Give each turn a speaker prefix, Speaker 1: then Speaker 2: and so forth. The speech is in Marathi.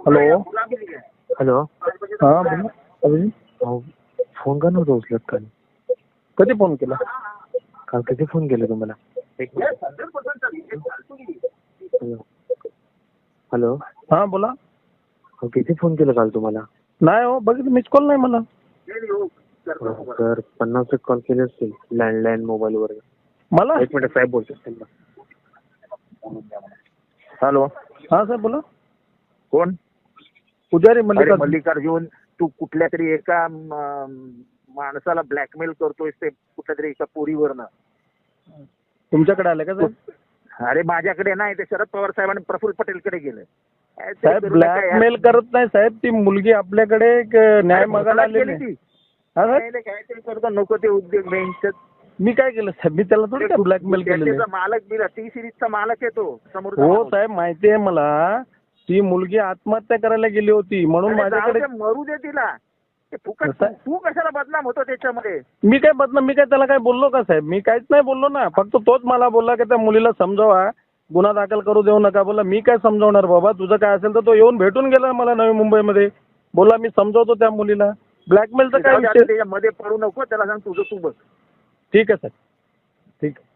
Speaker 1: हॅलो.
Speaker 2: हॅलो.
Speaker 1: हां बोला अभिजित.
Speaker 2: अहो, फोन का नव्हता उचलत काल?
Speaker 1: कधी फोन केला?
Speaker 2: काल कधी फोन केला तुम्हाला? हॅलो. हॅलो.
Speaker 1: हां बोला.
Speaker 2: अहो, किती फोन केला काल तुम्हाला?
Speaker 1: नाही हो, बघितलं मिस कॉल नाही मला.
Speaker 2: तर 50 कॉल केले असतील लँडलाईन मोबाईलवर.
Speaker 1: मला?
Speaker 2: एक मिनिट साहेब बोलतो त्यांना.
Speaker 3: हॅलो.
Speaker 1: हां साहेब बोला.
Speaker 3: कोण?
Speaker 1: पुजारी
Speaker 3: अरे
Speaker 1: मल्लिका.
Speaker 3: मल्लिकार्जुन, तू कुठल्या तरी एका माणसाला ब्लॅकमेल करतोय ते कुठल्या तरी एका पोरीवरनं.
Speaker 1: तुमच्याकडे आले का साहेब?
Speaker 3: अरे माझ्याकडे नाही, ते शरद पवार साहेब आणि प्रफुल्ल पटेलकडे गेले.
Speaker 1: साहेब ब्लॅकमेल करत नाही साहेब, ती मुलगी आपल्याकडे एक न्याय मागायला आलेली आहे. हां साहेब,
Speaker 3: काहीतरी करतो, नको ते उद्योग बेंच.
Speaker 1: मी काय केलं साहेब? मी त्याला थोडी ब्लॅकमेल केलेलं आहे.
Speaker 3: मालक बिला टी सिरीजचा मालक आहे तो समोर.
Speaker 1: हो साहेब माहिती आहे मला. ती मुलगी आत्महत्या करायला गेली होती म्हणून माझ्याकडे.
Speaker 3: मरू दे तिला. ते फुकट तू कशाला बदनाम होतो त्याच्यामध्ये?
Speaker 1: मी काय त्याला काय बोललो का साहेब? मी काहीच नाही बोललो ना. फक्त तोच मला बोलला की त्या मुलीला समजावा, गुन्हा दाखल करू देऊ नका. बोला मी काय समजावणार बाबा, तुझं काय असेल तर तो येऊन भेटून गेला मला नवी मुंबईमध्ये. बोला मी समजावतो त्या मुलीला. ब्लॅकमेलचं काय विषय?
Speaker 3: त्याच्यामध्ये पडू नको, त्याला सांग तुझं तू बघ.
Speaker 1: ठीक आहे साहेब, ठीक आहे.